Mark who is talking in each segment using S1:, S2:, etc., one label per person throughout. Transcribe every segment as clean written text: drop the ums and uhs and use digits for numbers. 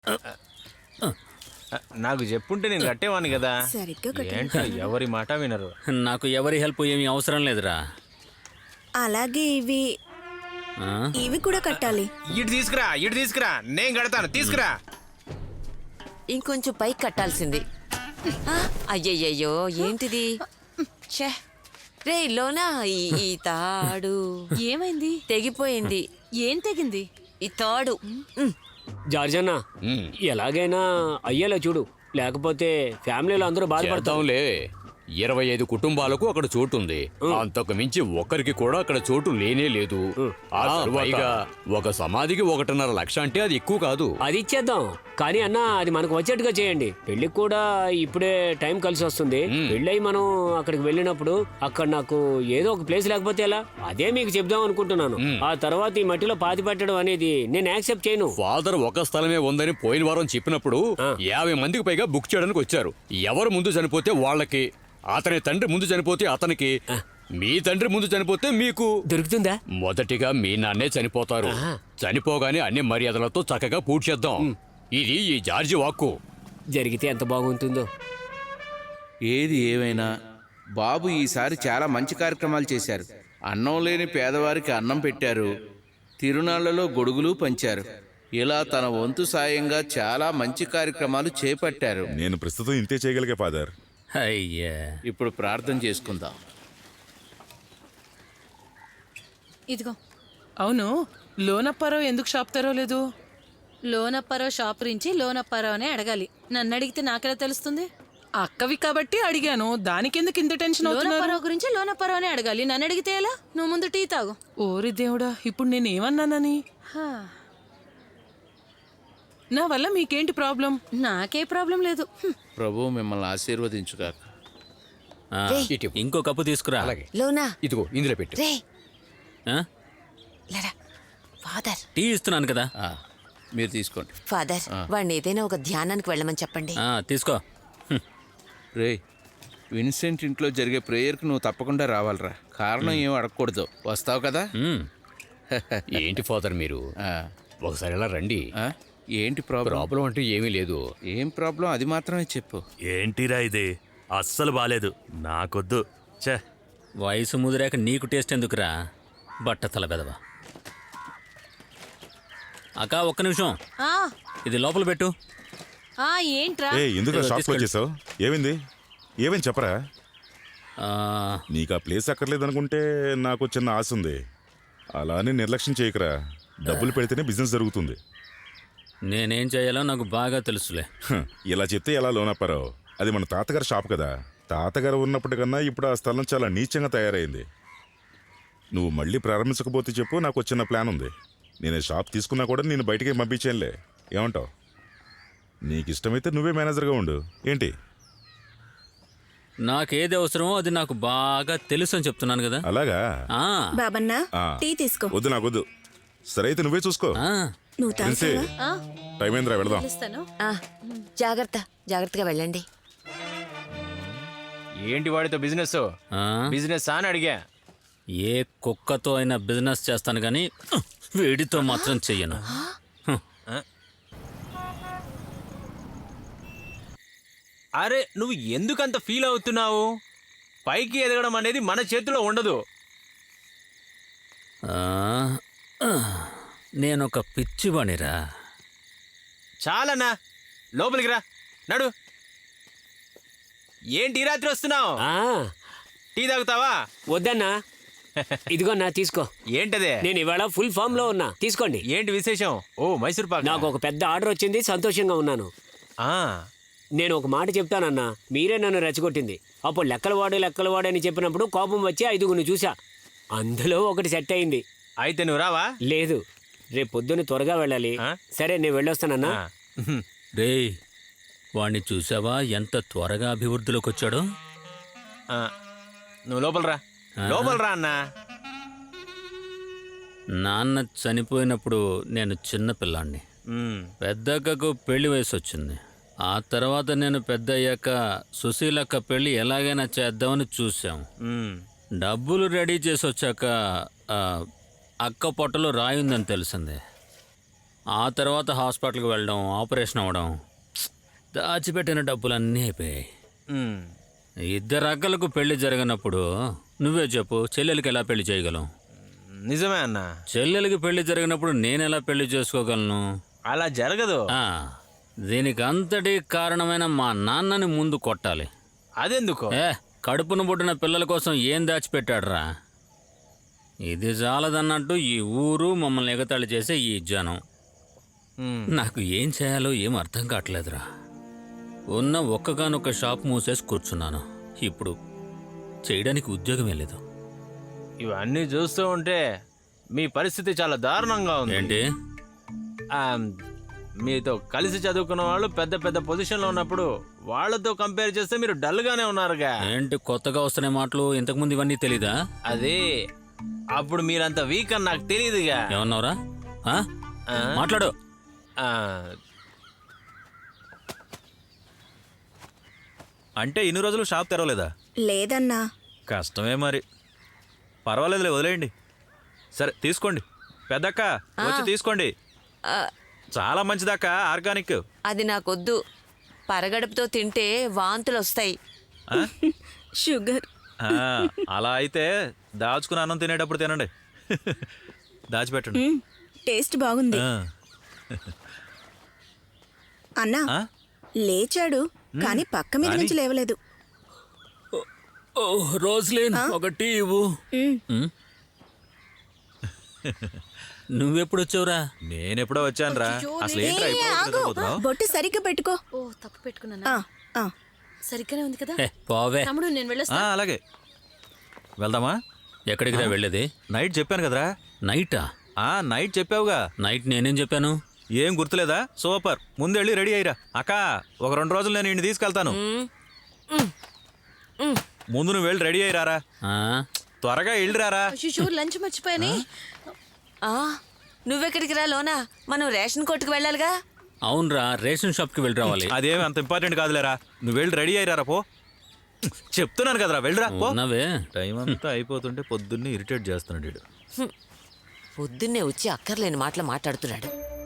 S1: నాకు చెప్పుంటే నేను కట్టేవాడిని కదా. ఏంటో ఎవరి మాట వినరు.
S2: నాకు ఎవరి హెల్ప్ ఏమీ అవసరం లేదురా.
S3: అలాగే ఇవి ఇవి కూడా కట్టాలి.
S1: ఇటు తీసుకురా నేను కడతాను. తీసుకురా.
S4: ఇంకొంచెం పైకి కట్టాల్సింది. అయ్యయ్యో ఏంటిది? రే లోనా ఈ తాడు
S5: ఏమైంది?
S4: తెగిపోయింది.
S5: ఏం తెగింది?
S4: ఈ తాడు.
S6: జార్జన్న ఎలాగైనా అయ్యేలా చూడు, లేకపోతే ఫ్యామిలీలో అందరూ బాధపడతాంలే.
S7: 25 కుటుంబాలకు అక్కడ చోటు ఉంది. అంతకు మించి ఒక్కరికి కూడా అక్కడ చోటు లేనే లేదు. పైగా ఒక సమాధికి 1.5 లక్ష అంటే అది ఎక్కువ కాదు.
S6: అది ఇచ్చేద్దాం, కానీ అన్న అది మనకు వచ్చేట్టుగా చేయండి. పెళ్లికి కూడా ఇప్పుడే టైం కలిసి వస్తుంది. పెళ్ళై మనం అక్కడికి వెళ్ళినప్పుడు అక్కడ నాకు ఏదో ఒక ప్లేస్ లేకపోతే ఎలా? అదే మీకు చెప్దాం అనుకుంటున్నాను. ఆ తర్వాత ఈ మట్టిలో పాతి పెట్టడం అనేది నేను యాక్సెప్ట్ చేయను.
S7: ఫాదర్ ఒక స్థలమే ఉందని పోయిన వారం చెప్పినప్పుడు 50 మందికి పైగా బుక్ చేయడానికి వచ్చారు. ఎవరు ముందు చనిపోతే వాళ్ళకి, అతని తండ్రి ముందు చనిపోతే అతనికి, మీ తండ్రి ముందు చనిపోతే మీకు
S6: దొరుకుతుందా?
S7: మొదటిగా మీ నాన్నే చనిపోతారు. చనిపోగానే అన్ని మర్యాదలతో చక్కగా పూర్తి చేద్దాం. ఇది ఈ జార్జి వాక్కు.
S6: జరిగితే ఎంత బాగుంటుందో.
S8: ఏది ఏమైనా బాబు ఈసారి చాలా మంచి కార్యక్రమాలు చేశారు. అన్నం లేని పేదవారికి అన్నం పెట్టారు, తిరునాళ్లలో గొడుగులు పంచారు. ఇలా తన వంతు సాయంగా చాలా మంచి కార్యక్రమాలు చేపట్టారు.
S9: నేను ప్రస్తుతం ఇంతే చేయగలిగే ఫాదర్.
S2: అయ్యా,
S8: ఇప్పుడు ప్రార్థన చేసుకుందాం.
S5: ఇదిగో.
S10: అవును, లోనప్పారావు ఎందుకు షాప్ తెరవలేదు?
S5: లోనప్పారావు షాప్ గురించి లోనప్పారావు అనే అడగాలి. నన్ను అడిగితే నాకెలా తెలుస్తుంది?
S10: అక్కవి కాబట్టి అడిగాను, దానికెందుకు ఇంత టెన్షన్ అవుతున్నారు?
S5: లోనప్పారావు గురించి లోనప్పారావు అనే అడగాలి. నన్ను అడిగితే ఎలా? నువ్వు ముందు టీ తాగు.
S10: ఓరి దేవుడా, ఇప్పుడు నేనేమన్నానని? నా వల్ల మీకేంటి ప్రాబ్లం?
S5: నాకే ప్రాబ్లం లేదు.
S8: ప్రభు మిమ్మల్ని ఆశీర్వదించుగాక.
S2: ఇంకో కప్పు తీసుకురా.
S4: లోనా
S7: ఇదిగో ఇందులో పెట్టు.
S4: రే
S2: ఆ?
S4: లరా ఫాదర్,
S2: టీ ఇస్తున్నాను కదా.
S8: మీరు తీసుకోండి.
S4: ఫాదర్ వాడిని ఏదైనా ఒక ధ్యానానికి వెళ్ళమని చెప్పండి.
S2: తీసుకో.
S8: రే, విన్సెంట్ ఇంట్లో జరిగే ప్రేయర్కి నువ్వు తప్పకుండా రావాలిరా. కారణం ఏం అడగకూడదు. వస్తావు కదా?
S7: ఏంటి ఫాదర్ మీరు ఒకసారి ఇలా రండి.
S8: ఏంటి ప్రాబ్లం
S7: అంటే ఏమీ లేదు.
S8: ఏం ప్రాబ్లం అది మాత్రమే చెప్పు.
S11: ఏంటిరా ఇది? అస్సలు బాలేదు, నాకొద్దు. చే,
S2: వయసు ముదిరాక నీకు టేస్ట్ ఎందుకురా బట్టతల బెదవా. అక్క ఒక్క నిమిషం, ఇది లోపల పెట్టు.
S5: ఏంట్రా?
S9: ఎందుకు షాప్కి వచ్చేసావు? ఏమైంది చెప్పరా. నీకు ఆ ప్లేస్ అక్కర్లేదనుకుంటే నాకు చిన్న ఆశ ఉంది. అలానే నిర్లక్ష్యం చేయకరా. డబ్బులు పెడితేనే బిజినెస్ జరుగుతుంది.
S2: నేనేం చేయాలో నాకు బాగా తెలుసులే.
S9: ఇలా చెప్తే ఎలా లోనప్పారావు? అది మన తాతగారి షాప్ కదా. తాతగారు ఉన్నప్పటికన్నా ఇప్పుడు ఆ స్థలం చాలా నీచంగా తయారైంది. నువ్వు మళ్ళీ ప్రారంభించకపోతే చెప్పు, నాకు చిన్న ప్లాన్ ఉంది. నేను షాప్ తీసుకున్నా కూడా నేను బయటికి పంపించానులే. ఏమంటావు? నీకు ఇష్టమైతే నువ్వే మేనేజర్గా ఉండు. ఏంటి?
S2: నాకేది అవసరమో అది నాకు బాగా తెలుసు అని చెప్తున్నాను కదా.
S9: అలాగా?
S3: బాబన్నా టీ తీసుకో.
S9: వద్దు, నాకొద్దు. సరే అయితే నువ్వే చూసుకో.
S3: నువ్వు తాగుతావా?
S9: టైం ఏంద్రా, వెళదాం.
S4: జాగ్రత్తగా వెళ్ళండి.
S1: ఏంటి వాడితో బిజినెస్ అని అడిగా.
S2: ఏ కుక్కతో అయినా బిజినెస్ చేస్తాను కానీ వీడితో మాత్రం చెయ్యను.
S1: అరే, నువ్వు ఎందుకంత ఫీల్ అవుతున్నావు? పైకి ఎదగడం అనేది మన చేతిలో ఉండదు.
S2: నేనొక పిచ్చివాణిరా.
S1: చాలన్నా, లోపలికి రా. నడు. ఏంటి రాత్రి వస్తున్నావు? టీ తాగుతావా?
S6: వద్దన్నా. ఇదిగో నా తీసుకో.
S1: ఏంటదే?
S6: నేను ఇవాళ ఫుల్ ఫామ్ లో ఉన్నా, తీసుకోండి.
S1: ఏంటి విశేషం? ఓ, మైసూర్ పాక్.
S6: నాకు ఒక పెద్ద ఆర్డర్ వచ్చింది, సంతోషంగా ఉన్నాను. నేను ఒక మాట చెప్తానన్నా, మీరే నన్ను రెచ్చగొట్టింది. అప్పుడు లెక్కలవాడు అని చెప్పినప్పుడు కోపం వచ్చి 5గురిని చూసా. అందులో ఒకటి సెట్ అయింది.
S1: అయితే నువ్వు రావా?
S6: లేదు, రేపు పొద్దున్న త్వరగా వెళ్ళాలి. సరే, నేను వెళ్ళొస్తానన్నా.
S2: రేయ్, వాణ్ణి చూసావా ఎంత త్వరగా అభివృద్ధిలోకి వచ్చాడో?
S1: నువ్వు లోపల రా అన్నా.
S2: నాన్న చనిపోయినప్పుడు నేను చిన్నపిల్లాన్ని. పెద్దక్కకు పెళ్లి వయసు వచ్చింది. ఆ తర్వాత నేను పెద్ద అయ్యాక సుశీలక్క పెళ్లి ఎలాగైనా చేద్దామని చూసాం. డబ్బులు రెడీ చేసి వచ్చాక అక్క పొట్టలో రాయుందని తెలిసింది. ఆ తర్వాత హాస్పిటల్కి వెళ్ళడం, ఆపరేషన్ అవ్వడం, దాచిపెట్టిన డబ్బులన్నీ అయిపోయాయి.
S1: మ్మ్.
S2: ఇద్దరు అక్కలకు పెళ్లి జరిగినప్పుడు నువ్వే చెప్పు, చెల్లెలకి ఎలా పెళ్లి చేయగలం?
S1: నిజమే అన్న,
S2: చెల్లెలకి పెళ్లి జరిగినప్పుడు నేను ఎలా పెళ్లి చేసుకోగలను?
S1: అలా జరగదు.
S2: ఆ, దీనికి అంతటి కారణమైన మా నాన్నని ముందు కొట్టాలి.
S1: అదెందుకు?
S2: కడుపును పుట్టిన పిల్లల కోసం ఏం దాచిపెట్టాడురా? ఇది చాలదన్నట్టు ఈ ఊరు మమ్మల్ని ఎగతాళి చేసే ఈ జనం.
S1: మ్మ్.
S2: నాకు ఏం చేయాలో ఏం అర్థం కావట్లేదురా. ఉన్న ఒక్కగానొక్క షాప్ మూసేసి కూర్చున్నాను. ఇప్పుడు చేయడానికి ఉద్యోగమే లేదు.
S1: ఇవన్నీ చూస్తూ ఉంటే మీ పరిస్థితి చాలా దారుణంగా ఉంది.
S2: ఏంటి?
S1: ఆ, మీతో కలిసి చదువుకున్న వాళ్ళు పెద్ద పెద్ద పొజిషన్లో ఉన్నప్పుడు వాళ్ళతో కంపేర్ చేస్తే మీరు డల్గానే ఉన్నారుగా.
S2: ఏంటి కొత్తగా వస్తున్న మాటలు? ఇంతకుముందు ఇవన్నీ తెలీదా?
S1: అదే అప్పుడు మీరంత వీక్ అని నాకు తెలియదుగా.
S2: ఏమన్నావురా? ఆ?
S1: ఆ?
S2: మాట్లాడు.
S1: ఆ,
S11: అంటే ఇన్ని రోజులు షాప్ తెరవలేదా?
S3: లేదన్నా.
S11: కష్టమే మరి. పర్వాలేదులే, వదిలేయండి. సరే తీసుకోండి. పెద్దక్క వచ్చి తీసుకోండి. చాలా మంచిదక్క, ఆర్గానిక్.
S4: అది నాకొద్దు. పరగడుపుతో తింటే వాంతులు వస్తాయి.
S3: షుగర్.
S11: అలా అయితే దాచుకుని అన్నం తినేటప్పుడు తినండి. దాచిపెట్టండి.
S3: టేస్ట్ బాగుంది.
S11: ఆ.
S3: అన్నా,
S11: ఆ?
S3: లేచాడు కానీ పక్క మీద నుంచి లేవలేదు.
S2: ఓ రోజులేను, ఒక టీ ఇవ్వు. నువ్వెప్పుడు వచ్చావురా?
S11: నేనెప్పుడో వచ్చానురా. అసలు ఏంట్రా
S3: ఏ,
S11: ఇప్పుడు
S3: ఆగు.
S11: నిద్రపోతున్నావ్?
S3: బొట్టు సరిగ్గా పెట్టుకో.
S5: ఓ తప్పు పెట్టుకున్నానా?
S3: ఆ,
S5: సరిగ్గానే ఉంది కదా.
S2: పోవే.
S5: తమ్ముడు నేను వెళ్ళొస్తా.
S11: అలాగే వెళ్దామా?
S2: ఎక్కడికి రా వెళ్ళేది?
S11: నైట్ చెప్పాను కదరా.
S2: నైటా?
S11: నైట్ చెప్పావుగా.
S2: నైట్ నేనేం చెప్పాను?
S11: ఏం గుర్తులేదా? సూపర్, ముందెళ్ళి రెడీ అయ్యిరా. అక్క, ఒక 2 రోజులు నేను ఇంటిని తీసుకెళ్తాను. ముందు నువ్వు వెళ్ళి రెడీ అయ్యిరారా. త్వరగా వెళ్ళిరారా.
S5: అయ్యో, లంచ్ మర్చిపోయానే.
S4: నువ్వెక్కడికి రా లోనా? మనం రేషన్ కొట్టుకు వెళ్ళాలిగా.
S2: అవునరా, రేషన్ షాప్కి వెళ్ళి రావాలి.
S11: అదేమి అంత ఇంపార్టెంట్ కాదులేరా. నువ్వు వెళ్ళి రెడీ అయ్యిరారా. పో, చెప్తున్నాను కదరా, వెళ్ళిరా. పో.
S2: ఉన్నవే.
S11: టైం అంతా అయిపోతుంటే పొద్దున్నే ఇరిటేట్ చేస్తున్నాడు వీడు.
S4: పొద్దున్నే వచ్చి అక్కర్లేని మాటలు మాట్లాడుతున్నాడు.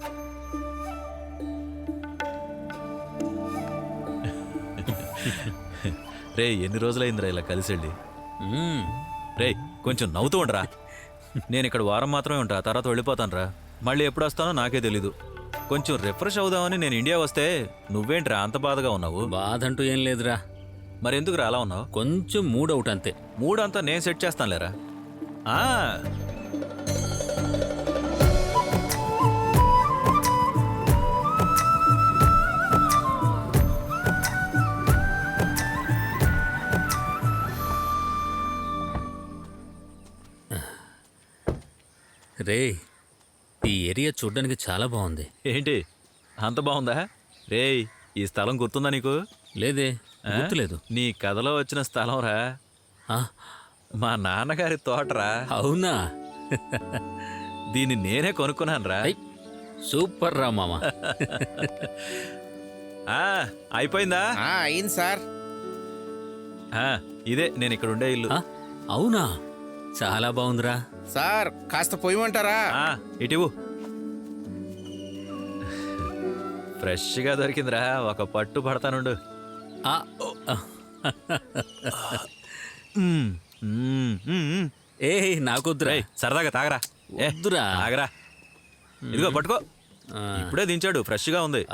S11: రే, ఎన్ని రోజులైందిరా ఇలా కలిసి వెళ్ళి. రే, కొంచెం నవ్వుతూ ఉండరా. నేను ఇక్కడ వారం మాత్రమే ఉంటా, తర్వాత వెళ్ళిపోతాను రా. మళ్ళీ ఎప్పుడు వస్తానో నాకే తెలీదు. కొంచెం రిఫ్రెష్ అవుదామని నేను ఇండియా వస్తే నువ్వేంట్రా అంత బాధగా ఉన్నావు?
S2: బాధ అంటూ ఏం లేదురా.
S11: మరి ఎందుకురా అలా ఉన్నావు?
S2: కొంచెం మూడ్ అవుట్ అంతే.
S11: మూడ్ అంతా నేను సెట్ చేస్తానులేరా.
S2: రే, ఈ ఏరియా చూడ్డానికి చాలా బాగుంది.
S11: ఏంటి అంత బాగుందా? రే, ఈ స్థలం గుర్తుందా నీకు?
S2: లేదే, గుర్తులేదు.
S11: నీ కథలో వచ్చిన స్థలం రా. మా నాన్నగారి తోటరా.
S2: అవునా?
S11: దీన్ని నేనే కొనుక్కున్నాను రా.
S2: సూపర్ రా మామ.
S11: అయిపోయిందా?
S8: అయింది సార్.
S11: ఇదే నేను ఇక్కడ ఉండే ఇల్లు.
S2: అవునా? చాలా బాగుందిరా.
S8: సార్ కాస్త పొయ్యమంటారా?
S11: ఇటివు. ఫ్రెష్గా దొరికిందిరా, ఒక పట్టు పడతానుండు.
S2: ఏ నాకొద్దురా.
S11: సరదాగా తాగరా.
S2: వద్దురా.
S11: తాగరా. ఇదిగో పట్టుకో. ఇప్పుడే దించాడు, ఫ్రెష్గా ఉంది.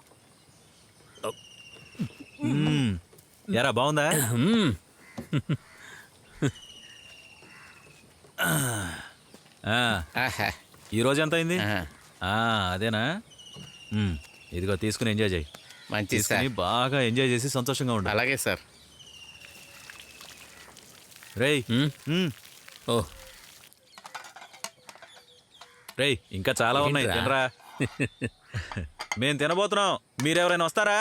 S11: ఎరా, బాగుందా? ఈ రోజు ఎంత అయింది? అదేనా? ఇదిగో తీసుకుని ఎంజాయ్ చేయి.
S8: మంచిది సార్.
S11: బాగా ఎంజాయ్ చేసి సంతోషంగా ఉండు.
S8: అలాగే సార్.
S11: రేయ్,
S2: ఓ
S11: రేయ్, ఇంకా చాలా ఉన్నాయి, తినరా. మేం తినబోతున్నాం, మీరెవరైనా వస్తారా?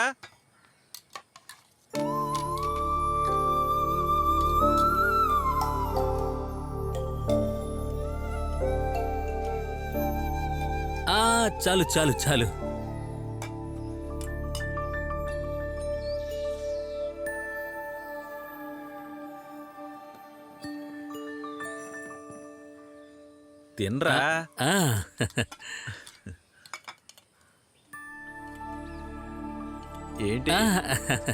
S2: చాలు చాలు చాలు.
S11: తినరా. ఏంటి